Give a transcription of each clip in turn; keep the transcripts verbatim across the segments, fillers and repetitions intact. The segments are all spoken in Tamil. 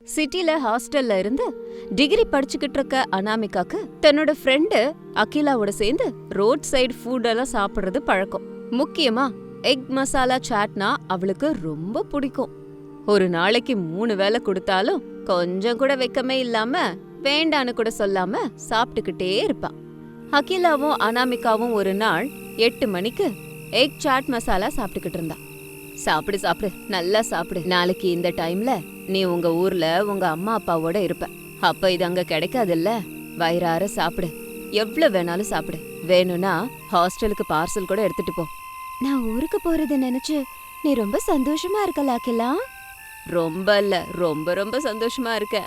சிட்டில ஹாஸ்டல்ல இருந்து டிகிரி படிச்சுக்கிட்டு இருக்க அனாமிகாக்கு தன்னோட ஃப்ரெண்டு அகிலாவோட சேர்ந்து ரோட் சைடு ஃபுட் எல்லாம் சாப்பிடுறது பழக்கம். முக்கியமா எக் மசாலா சாட்னா அவளுக்கு ரொம்ப பிடிக்கும். ஒரு நாளைக்கு மூணு வேளை கொடுத்தாலும் கொஞ்சம் கூட வெக்கமே இல்லாம வேண்டான்னு கூட சொல்லாம சாப்பிட்டுக்கிட்டே இருப்பா. அகிலாவும் அனாமிகாவும் ஒரு நாள் எட்டு மணிக்கு எக் சாட் மசாலா சாப்பிட்டுக்கிட்டு இருந்தா. சாப்பிடு சாப்பிடு நல்லா சாப்பிடு, நாளைக்கு இந்த டைம்ல நீ உங்க ஊர்ல உங்க அம்மா அப்பாவோட இருப்ப, அப்ப இது அங்க கிடைக்காதுல்ல, வயிறார சாப்பிடு, எவ்வளவு வேணாலும் சாப்பிடு, வேணும்னா ஹாஸ்டலுக்கு பார்சல் கூட எடுத்துட்டு போ. நான் ஊருக்கு போறத நினைச்சு நீ ரொம்ப சந்தோஷமா இருக்கல அகிலா? ரொம்ப இல்ல, ரொம்ப ரொம்ப சந்தோஷமா இருக்க.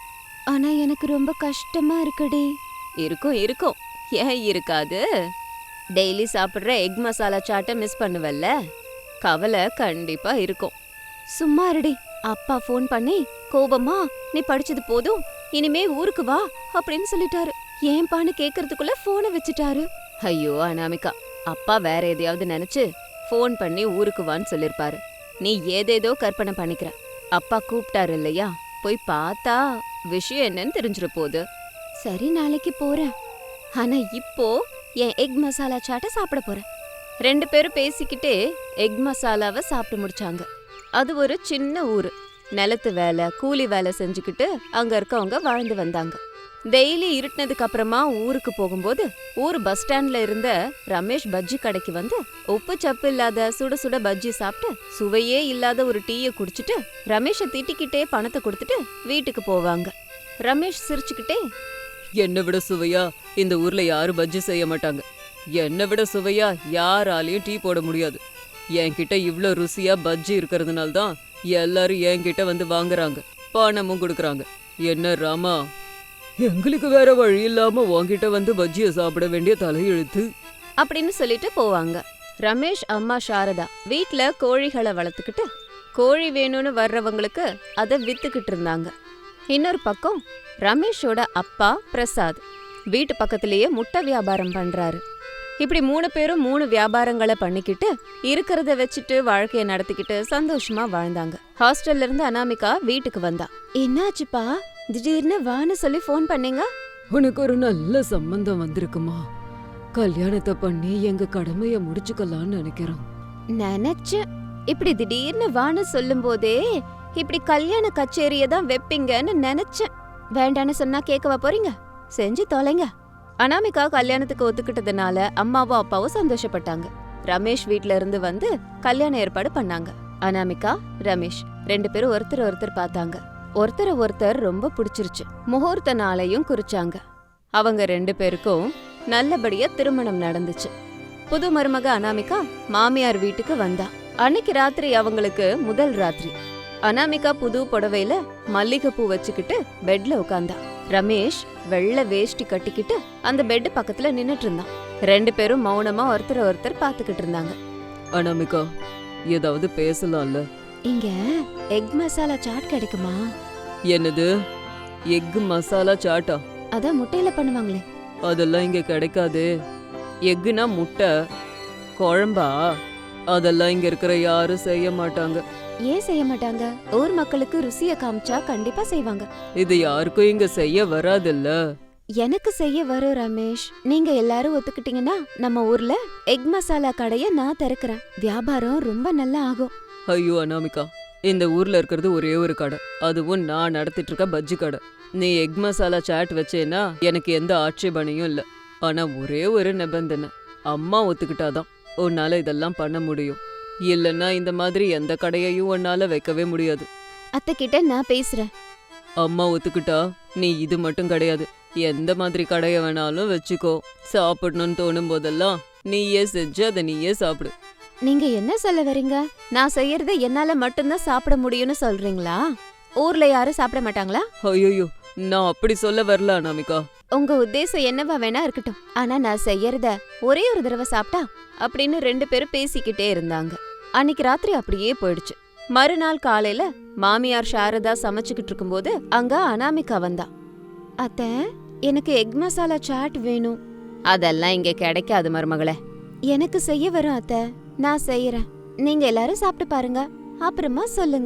ஆனா எனக்கு ரொம்ப கஷ்டமா இருக்குடி. இருக்கும் இருக்கும், ஏன் இருக்காது? டெய்லி சாப்பிடுற எக் மசாலா சாட்டை மிஸ் பண்ணுவல்ல, கவலை கண்டிப்பா இருக்கும். சும்மா இருடி, அப்பா ஃபோன் பண்ணி கோபமா நீ படிச்சது போதும் இனிமே ஊருக்கு வா அப்படின்னு சொல்லிட்டாரு. ஏன்பான்னு கேக்குறதுக்குள்ள போனை வச்சுட்டாரு. ஐயோ அனாமிகா, அப்பா வேற எதையாவது நினைச்சு ஃபோன் பண்ணி ஊருக்கு வான்னு சொல்லிருப்பாரு. நீ ஏதேதோ கற்பனை பண்ணிக்கிற. அப்பா கூப்பிட்டாரு இல்லையா, போய் பார்த்தா விஷயம் என்னன்னு தெரிஞ்சிட போகுது. சரி நாளைக்கு போறேன், ஆனா இப்போ என் எக் மசாலா சாட்டை சாப்பிட போறேன். ரெண்டு பேரும் பேசிக்கிட்டே எக் மசாலாவை சாப்பிட்டு முடிச்சாங்க. அது ஒரு சின்ன ஊரு. நிலத்து வேலை கூலி வேலை செஞ்சுக்கிட்டு அங்க இருக்கவங்க வாழ்ந்து வந்தாங்க. டெய்லி இருட்டினதுக்கு அப்புறமா ஊருக்கு போகும்போது ஊர் பஸ் ஸ்டாண்ட்ல இருந்த ரமேஷ் பஜ்ஜி கடைக்கு வந்து உப்பு சப்பு இல்லாத சுட சுட பஜ்ஜி சாப்பிட்டு சுவையே இல்லாத ஒரு டீயை குடிச்சிட்டு ரமேஷை திட்டிக்கிட்டே பணத்தை கொடுத்துட்டு வீட்டுக்கு போவாங்க. ரமேஷ் சிரிச்சுக்கிட்டே, என்னை விட சுவையா இந்த ஊர்ல யாரும் பஜ்ஜி செய்ய மாட்டாங்க, என்னை விட சுவையா யாராலையும் டீ போட முடியாது, என்கிட்ட இவ்ளோ ருசியா பஜ்ஜி இருக்கிறதுனால தான் எல்லாரும் என்கிட்ட வந்து வாங்குறாங்க, பணமும் கொடுக்குறாங்க. என்ன ராமா, எங்களுக்கு வேற வழி இல்லாம உன்கிட்ட வந்து பஜ்ஜிய சாப்பிட வேண்டிய தலையெழுத்து அப்படின்னு சொல்லிட்டு போவாங்க. ரமேஷ் அம்மா சாரதா வீட்ல கோழிகளை வளர்த்துக்கிட்டு கோழி வேணும்னு வர்றவங்களுக்கு அதை வித்துக்கிட்டு இருந்தாங்க. இன்னொரு பக்கம் ரமேஷோட அப்பா பிரசாத் வீட்டு பக்கத்திலேயே முட்டை வியாபாரம் பண்றாரு. இப்படி மூணு பேரும் மூணு வியாபாரங்களை பண்ணிக்கிட்டு இருக்கிறத வச்சுட்டு வாழ்க்கைய நடத்திக்கிட்டு சந்தோஷமா வாழ்ந்தாங்க. ஹாஸ்டல்ல இருந்து அனாமிகா வீட்டுக்கு வந்தா. என்னாச்சுப்பா திடீர்னு வான்னு சொல்லி போன் பண்ணீங்க? உனக்கு ஒரு நல்ல சம்பந்தம் வந்திருக்குமா, கல்யாணத்தை பண்ணி எங்க கடமைய முடிச்சுக்கலாம்னு நினைக்கிறோம். நினைச்சேன், இப்படி திடீர்னு வான்னு சொல்லும் போதே இப்படி கல்யாண கச்சேரிய தான் வைப்பீங்கன்னு நினைச்சேன். வேண்டான்னு சொன்னா கேட்கவா போறீங்க? செஞ்சு தொலைங்க. அனாமிகா கல்யாணத்துக்கு ஒத்துக்கிட்டதுனால அம்மாவும் அப்பாவும் சந்தோஷப்பட்டாங்க. ரமேஷ் வீட்ல இருந்து வந்து கல்யாண ஏற்பாடு பண்ணாங்க. அனாமிகா ரமேஷ் ரெண்டு பேரும் ஒருத்தர் ஒருத்தர் பார்த்தாங்க. ஒருத்தர் ஒருத்தர் ரொம்ப பிடிச்சிருச்சு. முகூர்த்த நாளையும் குறிச்சாங்க. அவங்க ரெண்டு பேருக்கும் நல்லபடியா திருமணம் நடந்துச்சு. புது மருமக அனாமிகா மாமியார் வீட்டுக்கு வந்தா. அன்னைக்கு ராத்திரி அவங்களுக்கு முதல் ராத்திரி. அனாமிகா புது புடவையில மல்லிகைப்பூ வச்சுக்கிட்டு பெட்ல உட்கார்ந்தா. ரமேஷ் வெள்ளை வேஷ்டி கட்டிக்கிட்டு அந்த பெட் பக்கத்துல நின்னுட்டு இருந்தான். ரெண்டு பேரும் மௌனமா ஒருத்தர் ஒருத்தர் பாத்துக்கிட்டு இருந்தாங்க. அனாமிகா, ஏதாவது பேசலாம்ல? இங்க எக் மசாலா சாட் கிடைக்குமா? என்னது எக் மசாலா சாட்டா? அதான் முட்டையில பண்ணுவாங்களே. அதெல்லாம் இங்க கிடைக்காது. எக்குனா முட்டை, குழம்பா? அதெல்லாம் இங்க இருக்கிற யாரும் செய்ய மாட்டாங்க. ஏன் செய்ய மாட்டாங்க? ஊர் மக்களுக்கு ருசிய காமிச்சா கண்டிப்பா செய்வாங்க. இது யாருக்கும் இங்க செய்ய வராதுல்ல. எனக்கு செய்ய வரும் ரமேஷ். நீங்க எல்லாரும் ஒத்துக்கிட்டீங்கன்னா நம்ம ஊர்ல எக் மசாலா கடைய நான் திறக்கிறேன். வியாபாரம் ரொம்ப நல்லா ஆகும். ஐயோ அனாமிகா, இந்த ஊர்ல இருக்கிறது ஒரே ஒரு கடை, அதுவும் நான் நடத்திட்டு இருக்க பஜ்ஜி கடை. நீ எக் மசாலா சாட் வச்சேன்னா எனக்கு எந்த ஆட்சேபனையும் இல்ல. ஆனா ஒரே ஒரு நிபந்தனை, அம்மா ஒத்துக்கிட்டாதான் உன்னால இதெல்லாம் பண்ண முடியும். இல்லன்னா இந்த மாதிரி எந்த கடையையும் உன்னால வைக்கவே முடியாது. அத்தை கிட்ட நான் பேசுறேன். அம்மா ஒத்துக்கிட்டா நீ இது மட்டும் கிடையாது, எந்த மாதிரி கடைய வேணாலும் வச்சுக்கோ. சாப்பிடணும்னு தோணும் போதெல்லாம் நீயே செஞ்சு அதை நீயே சாப்பிடு. நீங்க என்ன சொல்ல வரீங்க? நான் செய்யறத என்னால மட்டும்தான் சாப்பிட முடியும்னு சொல்றீங்களா? ஊர்ல யாரும் சாப்பிட மாட்டாங்களா? ஐயோ, நான் அப்படி சொல்ல வரல அனாமிகா. உங்க உத்தேசம் என்னவா வேணா இருக்கட்டும், ஆனா நான் செய்யறத ஒரே ஒரு தடவை சாப்பிட்டா அப்படின்னு ரெண்டு பேரும் பேசிக்கிட்டே இருந்தாங்க. அன்னைக்கு ராத்திரி அப்படியே போயிடுச்சு. மறுநாள் காலையில மாமியார் சாரதா சமைச்சுக்கிட்டு இருக்கும்போது அங்க அனாமிகா வந்தா. அத்தை, எனக்கு எக் மசாலா சாட் வேணும். அதெல்லாம் இங்க கிடைக்காது மருமகளே. எனக்கு செய்ய வரும் அத்தை, நான் செய்யறேன். நீங்க எல்லாரும் சாப்பிட்டு பாருங்க, அப்புறமா சொல்லுங்க.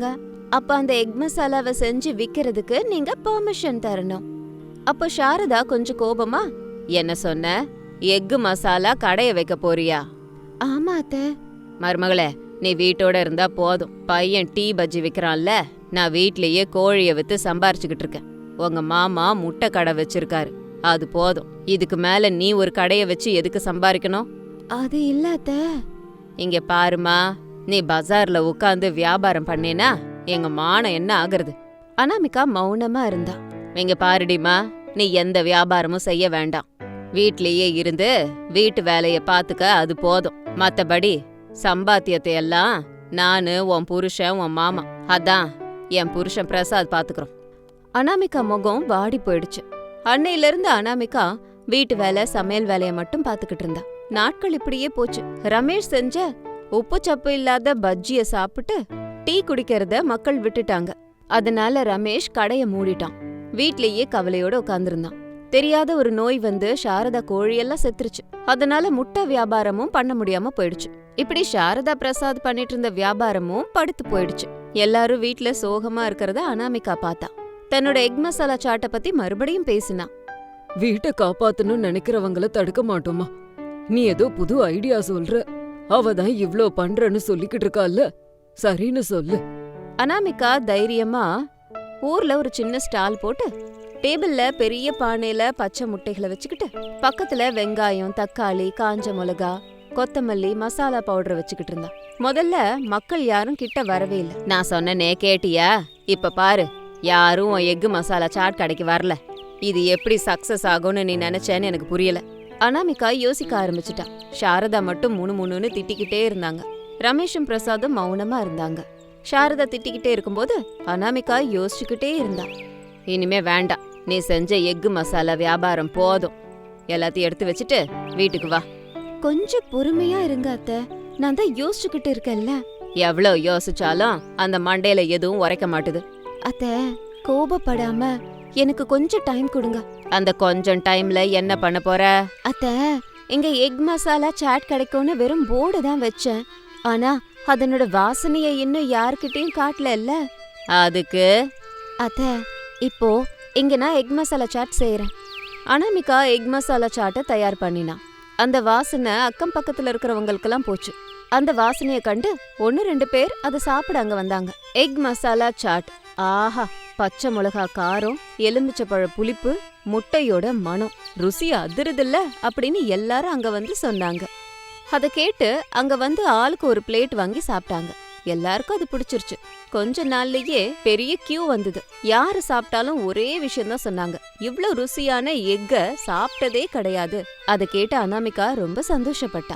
அப்ப அந்த எக் மசாலாவை செஞ்சு விக்கிறதுக்கு நீங்க பெர்மிஷன் தரணும். அப்போ சாரதா கொஞ்சம் கோபமா, என்ன சொன்ன? எக்கு மசாலா கடைய வைக்க போறியா? ஆமா அத்தை. மருமகளே, நீ வீட்டோட இருந்தா போதும். பையன் டீ பஜ்ஜி விக்கிறான்ல, நான் வீட்லயே கோழிய வித்து சம்பாரிச்சுக்கிட்டு இருக்கேன். உங்க மாமா முட்டை கடை வச்சிருக்காரு, அது போதும். இதுக்கு மேல நீ ஒரு கடைய வச்சு எதுக்கு சம்பாதிக்கணும்? அது இல்ல அத்தை. இங்க பாருமா, நீ பஜார்ல உட்காந்து வியாபாரம் பண்ணேனா எங்க மானம் என்ன ஆகுறது? அனாமிகா மௌனமா இருந்தா. இங்க பாருடிமா, நீ எந்த வியாபாரமும் செய்ய வேண்டாம். வீட்லயே இருந்து வீட்டு வேலைய பாத்துக்க, அது போதும். மத்தபடி சம்பாத்தியத்தை எல்லாம் நானு, உன் புருஷன், உன் மாமா, அதான் என் புருஷன் பிரசாத் பாத்துக்கிறோம். அனாமிகா முகம் வாடி போயிடுச்சு. அன்னையில இருந்து அனாமிகா வீட்டு வேலை, சமையல் வேலைய மட்டும் பாத்துக்கிட்டு இருந்தா. நாட்கள் இப்படியே போச்சு. ரமேஷ் செஞ்ச உப்பு சப்பு இல்லாத பஜ்ஜிய சாப்பிட்டு டீ குடிக்கிறத மக்கள் விட்டுட்டாங்க. அதனால ரமேஷ் கடைய மூடிட்டான். வீட்லயே கவலையோட உட்கார்ந்திருந்தான். தெரியாத ஒரு நோய் வந்து சாரதா கோழியெல்லாம் செத்துருச்சு. அதனால முட்டை வியாபாரமும் பண்ண முடியாம போயிடுச்சு. இப்படி சாரதா பிரசாத் பண்ணிட்டு இருந்த வியாபாரமும் படுத்து போயிடுச்சு. எல்லாரும் வீட்ல சோகமா இருக்கிறத அனாமிகா பார்த்தா. தன்னோட எக் மசாலா சாட்டை பத்தி மறுபடியும் பேசினா. வீட்டை காப்பாத்தணும்னு நினைக்கிறவங்கள தடுக்க மாட்டோமா? நீ ஏதோ புது ஐடியா சொல்ற. அவதான் இவ்ளோ பண்றன்னு சொல்லிக்கிட்டு இருக்கால, சரின்னு சொல்லு. அனாமிகா தைரியமா ஊர்ல ஒரு சின்ன ஸ்டால் போட்டு டேபிள்ல பெரிய பானையில பச்சை முட்டைகளை வச்சுக்கிட்டு பக்கத்துல வெங்காயம், தக்காளி, காஞ்ச மிளகா, கொத்தமல்லி, மசாலா பவுடர் வச்சுக்கிட்டு இருந்தா. முதல்ல மக்கள் யாரும் கிட்ட வரவே இல்லை. நான் சொன்னனே கேட்டியா? இப்ப பாரு, யாரும் எக்கு மசாலா சாட் கடைக்கு வரல. இது எப்படி சக்சஸ் ஆகும்னு நீ நினைச்சேன்னு எனக்கு புரியல. அனாமிகா யோசிக்க ஆரம்பிச்சுட்டா. சாரதா மட்டும் முணு முணுன்னு திட்டிக்கிட்டே இருந்தாங்க. ரமேஷும் பிரசாதும் மௌனமா இருந்தாங்க. சாரதா திட்டிக்கிட்டே இருக்கும்போது அனாமிகா யோசிச்சுக்கிட்டே இருந்தா. இனிமே வேண்டாம், நீ செஞ்ச எக்கு மசாலா வியாபாரம் போதும். எல்லாத்தையும் எடுத்து வச்சுட்டு வீட்டுக்கு வா. கொஞ்சம் பொறுமையா இருங்க அத்தை, நான் தான் யோசிச்சுக்கிட்டு இருக்கேன்ல. எவ்வளவு யோசிச்சாலும் அந்த மண்டையில எதுவும் உரைக்க மாட்டுது. அத்தை, கோபப்படாம எனக்கு கொஞ்சம் டைம் கொடுங்க. அந்த கொஞ்சம் டைம்ல என்ன பண்ண போற? அத்தை, இங்க எக் மசாலா சாட் கிடைக்கும்னு வெறும் போர்டு தான் வச்சேன். ஆனா அதனோட வாசனைய இன்னும் யார்கிட்டயும் காட்டல இல்ல. அதுக்கு அத்தை, இப்போ இங்க நான் எக் மசாலா சாட் செய்யறேன். அனாமிகா எக் மசாலா சாட்டை தயார் பண்ணினா. அந்த வாசனை அக்கம் பக்கத்துல இருக்கிறவங்களுக்கெல்லாம் போச்சு. அந்த வாசனைய கண்டு ஒன்னு ரெண்டு பேர் அதை சாப்பிட அங்க வந்தாங்க. எக் மசாலா சாட், ஆஹா, பச்சை மிளகா காரம், எலுமிச்சப்பழ புளிப்பு, முட்டையோட மனம், ருசி அதிருதில்ல அப்படின்னு எல்லாரும் அங்க வந்து சொன்னாங்க. அத கேட்டு அங்க வந்து ஆளுக்கு ஒரு பிளேட் வாங்கி சாப்பிட்டாங்க. எல்லாருக்கும் அது பிடிச்சிருச்சு. கொஞ்ச நாள்லயே பெரிய கியூ வந்தது. யாரு சாப்பிட்டாலும் ஒரே விஷயம் தான் சொன்னாங்க, இவ்ளோ ருசியான எக்க சாப்பிட்டதே கிடையாது. அத கேட்டு அனாமிகா ரொம்ப சந்தோஷப்பட்டா.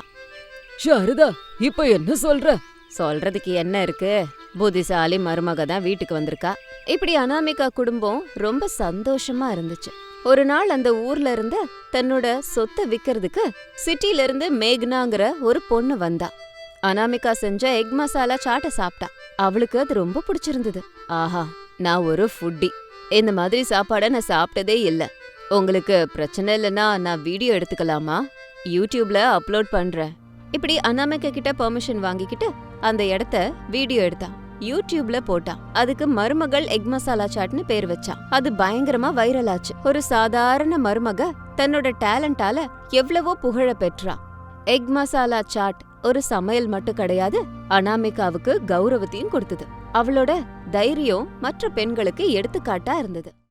சாரதா, இப்ப என்ன சொல்ற? சொல்றதுக்கு என்ன இருக்கு, புத்திசாலி மருமக தான் வீட்டுக்கு வந்திருக்கா. இப்படி அனாமிகா குடும்பம் ரொம்ப சந்தோஷமா இருந்துச்சு. ஒரு நாள் அந்த ஊர்ல இருந்து தன்னோட சொத்தை விக்கிறதுக்கு சிட்டில இருந்து மேக்னாங்கிற ஒரு பொண்ணு வந்தா. அனாமிகா செஞ்ச எக் மசாலா சாட்டை சாப்பிட்டா. அவளுக்கு அது ரொம்ப பிடிச்சிருந்தது. ஆஹா, நான் ஒரு ஃபுட்டி, இந்த மாதிரி சாப்பாடை நான் சாப்பிட்டதே இல்ல. உங்களுக்கு பிரச்சனை இல்லைன்னா நான் வீடியோ எடுத்துக்கலாமா? யூடியூப்ல அப்லோட் பண்றேன். இப்படி அனாமிகா கிட்ட பெர்மிஷன் வாங்கிக்கிட்டு அந்த இடத்த வீடியோ எடுத்தா. யூடியூப்ல போட்டா. அதுக்கு மருமகள் எக் மசாலா சாட்னு பேர் வச்சா. அது பயங்கரமா வைரல் ஆச்சு. ஒரு சாதாரண மருமக தன்னோட டேலண்டால எவ்வளவோ புகழ பெற்றா. எக் மசாலா சாட் ஒரு சமையல் மட்டும் கிடையாது, அனாமிகாவுக்கு கௌரவத்தையும் கொடுத்தது. அவளோட தைரியம் மற்ற பெண்களுக்கு எடுத்துக்காட்டா இருந்தது.